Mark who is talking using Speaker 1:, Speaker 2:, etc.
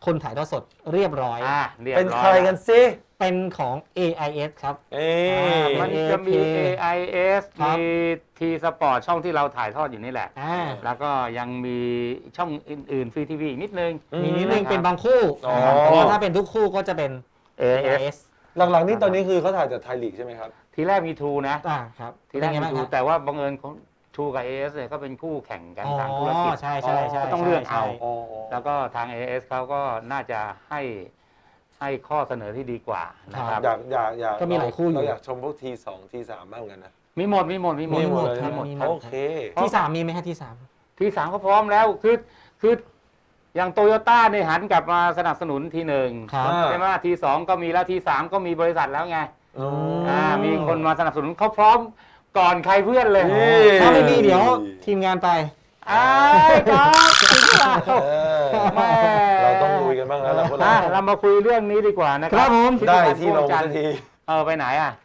Speaker 1: คนถ่ายทอดสดเรียบร้อย
Speaker 2: เรียบ
Speaker 3: เป็น
Speaker 2: ร้อย
Speaker 3: ใครกันซิ
Speaker 1: เป็นของ AIS ครับ
Speaker 2: มันจะมี
Speaker 1: AK
Speaker 2: AIS
Speaker 1: ครับ
Speaker 2: มี T Sport ช่องที่เราถ่ายทอดอยู่นี่แหละ แล้วก็ยังมีช่องอื่นๆฟรีทีวีนิดนึง
Speaker 1: มีนิดนึงเป็นบางคู่
Speaker 3: อ๋อ
Speaker 1: แต่ว่าถ้าเป็นทุกคู่ก็จะเป็น
Speaker 2: AIS
Speaker 3: หลังๆนี่ตอนนี้คือเขาถ่ายจากไทยลีกใช่ไหมครับ
Speaker 2: ทีแรกมีทูนะ
Speaker 1: ครับ
Speaker 2: ทีแรก
Speaker 1: เป็น
Speaker 2: มี
Speaker 1: ไงบ้าง
Speaker 2: ทู
Speaker 1: ครับ
Speaker 2: แต่ว่าบังเอิญของทูกับ AIS เนี่ยก็เป็นคู่แข่งกันทางธุรกิจ
Speaker 1: ใช่
Speaker 2: ก็ต้องเลือกเอา
Speaker 3: อ๋อ
Speaker 2: แล้วก็ทาง AIS เขาก็น่าจะให้ข้อเสนอที่ดีกว่านะครับ
Speaker 3: อยาก
Speaker 1: ก็มีหลายคู่อยู่
Speaker 3: เราอยากชมพวกT2 T3บ้างกันนะ
Speaker 2: มีหมด
Speaker 3: มีหมดเลย
Speaker 1: ครับ
Speaker 3: หมด
Speaker 1: มีหมด
Speaker 3: โอเค
Speaker 1: ที่ 3 มีไหมฮะที่ 3
Speaker 2: ทีสามก็พร้อมแล้วคืออย่างโตโยต้าเนี่ยหันกลับมาสนับสนุนทีหนึ่ง
Speaker 1: ครับ
Speaker 2: ใช่ไหมทีสองก็มีแล้วทีสามก็มีบริษัทแล้วไง
Speaker 3: อ๋อ
Speaker 2: มีคนมาสนับสนุนเขาพร้อมก่อนใครเพื่อนเลย
Speaker 3: นี่
Speaker 1: ถ้าไม่มีเดี๋ยวทีมงานไป
Speaker 2: ครับจริงเปล่า
Speaker 3: เออ
Speaker 2: แม่
Speaker 3: เราต้องลุยกันบ้างแล้วล่ะพวกเรา
Speaker 2: เรามาคุยเรื่องนี้ดีกว่านะค
Speaker 1: ครั
Speaker 2: รับบ
Speaker 1: ผม
Speaker 3: ได้ที่ลงสักที
Speaker 2: ไปไหนอ่ะ